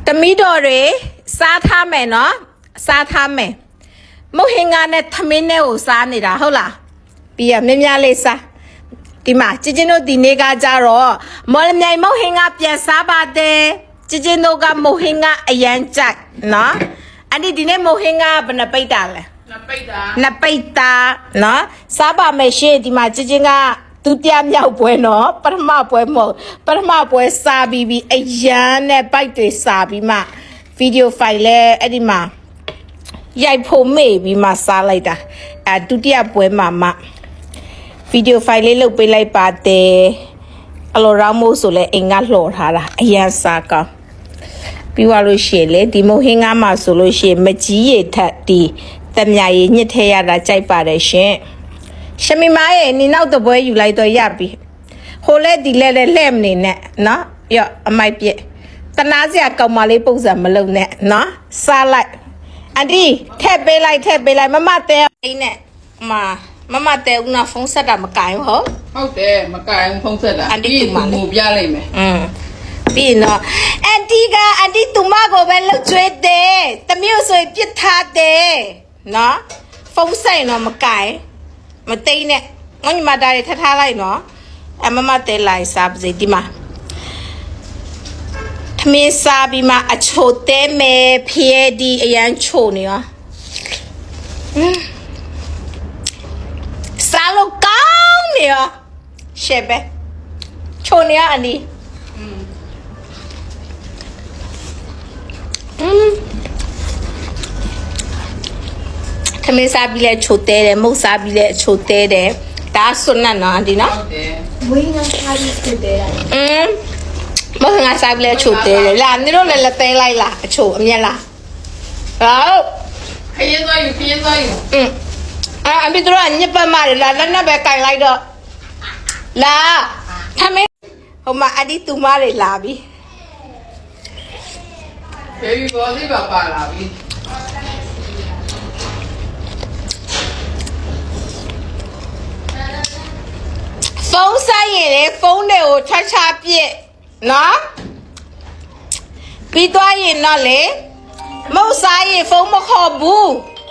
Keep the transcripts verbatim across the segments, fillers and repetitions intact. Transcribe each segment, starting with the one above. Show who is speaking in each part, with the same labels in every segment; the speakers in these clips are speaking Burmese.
Speaker 1: တမီတော်တွေစားထားမယ်နော်စားထားမယ်မုတ်ဟင်္ဂါနဲ့သမင်းနဲ့ကိုစားနေတာဟုတ်လားပြီးရမြင်းများလေးစားဒီမှာကျချင်းတို့ဒီနေ့ကကြတော့မော်လမြိုင်မုတ်ဟင်္ဂါပြန်စားပါတယ်ကျချင်းတို့ကမုတ်ဟင်္ဂါအရန်ကြိုက်နော်အဲ့ဒီဒီနေ့မုတ်ဟင်္ဂါဘယ်နှပိတ်တာလဲနှစ်ပိတ်တာနှစ်ပိတ်တာနော်စားပါမယ်ရှင်ဒီမှာကျချင်းကဒုတိယမြောက်ပွဲနော်ပထမပွဲမဟုတ်ပထမပွဲစားပြီးပြီးအရန်နဲ့ပိုက်တွေစားပြီးမှဗီဒီယိုဖိုင်လဲအဲ့ဒီမှာရိုက်ဖို့မေ့ပြီးမှစားလိုက်တာအဲဒုတိယပွဲမှာမှဗီဒီယိုဖိုင်လေးလုတ်ပေးလိုက်ပါတယ်အလိုရောင်းမို့ဆိုလဲအိမ်ကလှော်ထားတာအရန်စားကောင်းပြီးသွားလို့ရှိရင်လေဒီမုံဟင်းကားမှာဆိုလို့ရှိရင်မကြီးရထက်ဒီတမြာရည်ညှစ်ထဲရတာကြိုက်ပါတယ်ရှင်ရှမီမားရဲ့နီနောက်တပွဲယူလိုက်တော့ရပြီဟိုလဲဒီလဲလဲလှဲ့မနေနဲ့နော်ရော့အမိုက်ပြက်တနာစရာကောင်မလေးပုံစံမလုပ်နဲ့နော်စားလိုက်အန်တီထည့်ပေးလိုက်ထည့်ပေးလိုက်မမတဲအိမ်နဲ့မမမတဲဦးနာဖုန်းဆက်တာမကင်ဟုတ်
Speaker 2: ဟုတ်တယ်မကင်ဖုန်းဆက်တာအန်တီကငိုပြလိုက်မယ်
Speaker 1: อืมပြီးနော်အန်တီကအန်တီသူမကိုပဲလှုပ်ကျွေးတယ်တမျိုးဆိုပြစ်ထားတယ်နော်ဖုန်းဆက်ရင်တော့မကင်မသိနဲ့ငါညီမဒါတွေထထားလိုက်နော်အမမတဲလိုက်စားပါစေဒီမှာထမင်းစားပြီးမှအချိုတဲမယ်ဖျဲဒီအရန်ချိုနေရောစားလို့ကောင်းနေရောရှေ့ပဲချိုနေရအနီอืมထမင်းစားပြီးလဲချိုတဲတယ်မုတ်စားပြီးလဲချိုတဲတယ်ဒါဆွတ်နတ်နော်အန်ဒီနော်
Speaker 2: ဟုတ်တယ်
Speaker 3: ဝင်းကစားပြီးချိုတဲတာ
Speaker 1: อืมမဟုတ်ငါစားပြီးလဲချိုတဲတယ်လာနေတော့လည်းလက်သေးလိုက်လားအချိုအမျက်လားဟုတ်
Speaker 2: ခရင်သွားယူခရင်သွားယူ
Speaker 1: อืมအာအမေတို့ကညစ်ပတ်မတယ်လာလက်နဲ့ပဲကင်လိုက်တော့လာထမင်းဟိုမှာအဒီတူမတွေလာပြီ
Speaker 2: ဘေဘီဘောလေးပါပါလာပြီ
Speaker 1: ဖုန်းဆိုင်ရင်လေဖုန်းတွေကိုချချပြစ်နော်ပြီးသွားရင်တော့လေမဟုတ်ဆိုင်ရင်ဖုန်းမခေါ်ဘူး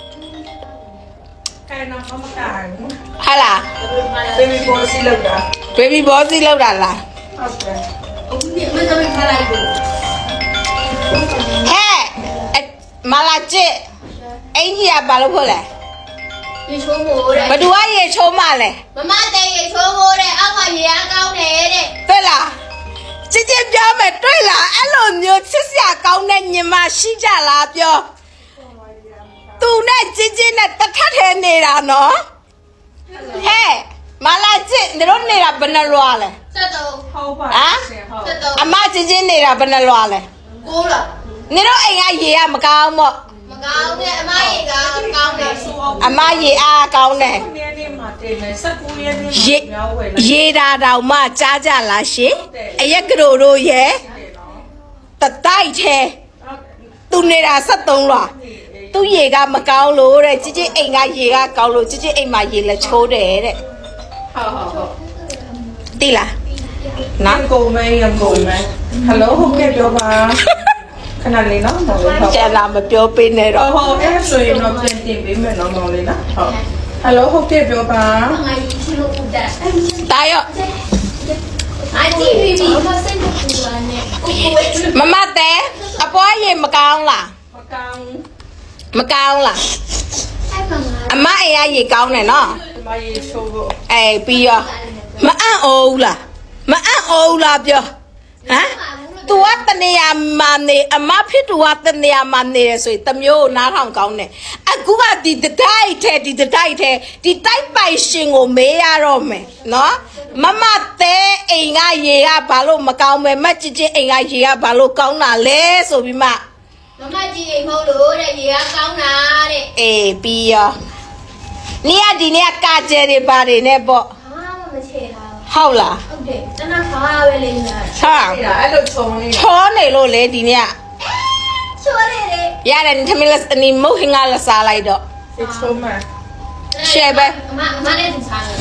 Speaker 2: ကဲတော့မမကန်
Speaker 1: ဟာလား
Speaker 2: ဘေဘီဘောစီလောက်တာ
Speaker 1: ဘေဘီဘောစီလောက်တာလား
Speaker 2: ဟုတ်တယ်
Speaker 3: အခုဒီမင်းကထားလိုက်ဘူး
Speaker 1: ဟဲ့မလာကျစ်အင်ကြီးကဘာလို့ဖို့လဲ
Speaker 3: ရေချိုးမိုးတဲ့
Speaker 1: ဘသူကရေချိုးမလဲ
Speaker 3: မမတဲ့ရေချိုးမိုးတဲ့အောက်ကရေအားကောင်းတယ်တဲ့
Speaker 1: တွေ့လားချစ်ချစ်ပြောမယ်တွေ့လားအဲ့လိုမျိုးချစ်စရာကောင်းတဲ့ညီမရှိကြလားပြောသူနဲ့ချစ်ချစ်နဲ့တထထဲနေတာနော်ဟဲ့မလာကျစ်တို့နေတာဘယ်နှလွားလဲ
Speaker 3: ဆက်တော့
Speaker 2: ဟုတ်ပါ
Speaker 3: ဆက်တော့
Speaker 1: အမချစ်ချစ်နေတာဘယ်နှလွားလဲ
Speaker 3: ကိုးလား
Speaker 1: နေတော့အိမ်ကရေကမကောင်းပေါ့
Speaker 3: မကောင်းနဲ့အမရေကကောင်းတယ်
Speaker 1: အမရေအားကောင်းတယ်
Speaker 2: နေ့နေ့မှာတင်မယ်၁၉ရက်နေ့
Speaker 1: ရေရေတာတောင်မှကြားကြလားရှင်အရက်ကတို့တို့ရဲ့တတိုက်သေးသူနေတာဆက်သုံးလားသူရေကမကောင်းလို့တဲ့ជីជីအိမ်ကရေကကောင်းလို့ជីជីအိမ်မှာရေလက်ချိုးတယ်တဲ့
Speaker 2: ဟုတ်ဟုတ်ဟုတ်
Speaker 1: တိလား
Speaker 2: နော်ကုန်မဲရကုန်မဲဟယ်လိုဟုတ်ကဲ့ပြောပါခဏလေးနော်မောင်လေးဟုတ်
Speaker 1: ကျန်လာမပြောပေးနဲ့တော့
Speaker 2: ဟုတ်အဲ့ဆိုရင်တော့ပြန်တင်ပေးမယ်နော်မောင်လေးနော်ဟုတ်ဟယ်လိုဟုတ်ကဲ့ပြောပါ
Speaker 3: ငါရီချလို့ဦးတာ
Speaker 1: တာရော့
Speaker 3: အတီဘီဘီမစင်ဘူးလားနဲ့
Speaker 1: မမတဲအပွားရေမကောင်းလား
Speaker 2: မကောင်း
Speaker 1: မကောင်းလားအမအိမ်ကရေကောင်းတယ်နော်
Speaker 2: မရေချိုးဖို့
Speaker 1: အေးပြီးရောမအံ့ဩဘူးလားမအံ့ဩဘူးလားပြောဟမ်သူကတနေရာမှာနေအမဖြစ်သူကတနေရာမှာနေရဆိုရင်တမျိုးနားထောင်ကောင်းတယ်အခုကဒီတတိုက်ထဲဒီတတိုက်ထဲဒီတိုက်ပိုင်ရှင်ကိုမေးရတော့မယ်နော်မမတဲအိမ်ကရေကဘာလို့မကောင်းမဲမချစ်ချင်းအိမ်ကရေကဘာလို့ကောင်းတာလဲဆိုပြီးမှ
Speaker 3: မမကြီးအိမ်မဟုတ်လို့တဲ့ရေကကောင်းတာတဲ့
Speaker 1: အေးပြီးရောနေရဒီနေ့ကကြဲတွေပါတယ်နဲ့ပေါ့
Speaker 3: ဟာမချေတာ
Speaker 1: ဟုတ်လား
Speaker 3: ဟုတ်တယ်တနခါပဲလိမ့်တာ
Speaker 1: ဟာ
Speaker 2: အဲ့လိုချုံနေ
Speaker 1: ချောနေလို့လေဒီနေ့
Speaker 3: ချောနေတယ်
Speaker 1: ရတယ်ထမင်းလက်အနီမုတ်ဟင်္ဂါလက်စားလိုက်တော့
Speaker 2: ချုံမ
Speaker 1: ရှယ်ပဲ
Speaker 3: အမအမနဲ့စားတယ်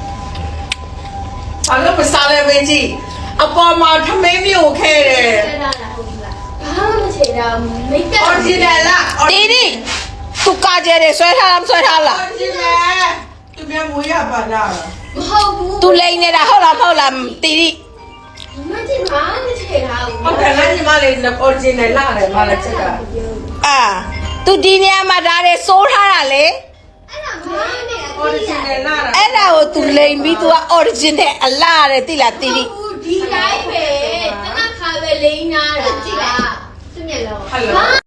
Speaker 2: ဘာလို့မစားလဲမင်းကြီးအပေါ်မှာထမင်းမျိုးခဲတယ်
Speaker 3: ဆက်လာလားဟုတ်လားဘာမှမချေတာမိတ်ကပ်
Speaker 2: original လား
Speaker 1: တီတီသူကာကျဲတယ်ဆွဲထားလားမဆွဲထားလား
Speaker 2: original သူမြန်မွေးရပါလား
Speaker 3: မဟုတ်ဘူး
Speaker 1: သူလိန်နေတာဟုတ်လားမဟုတ်လားတီတီ
Speaker 3: မကြည့်ပါနဲ့ချေတာ
Speaker 2: ဟုတ်တယ်ငါညီမလေး original လားတယ်မလားချက်က
Speaker 1: အာသူဒီနေရာမှာဒါတွေစိုးထားတာလေ
Speaker 3: အဲ့ဒါမနဲ့
Speaker 2: original လား
Speaker 1: အဲ့ဒါကိုသူလိန်ပြီးသူက original အလားတဲ့တိလားတီတီ
Speaker 3: ဒီတိုင်းပဲတနခါပဲလိမ့်နာတာကြည့်လားသူမျက်လုံး
Speaker 2: hello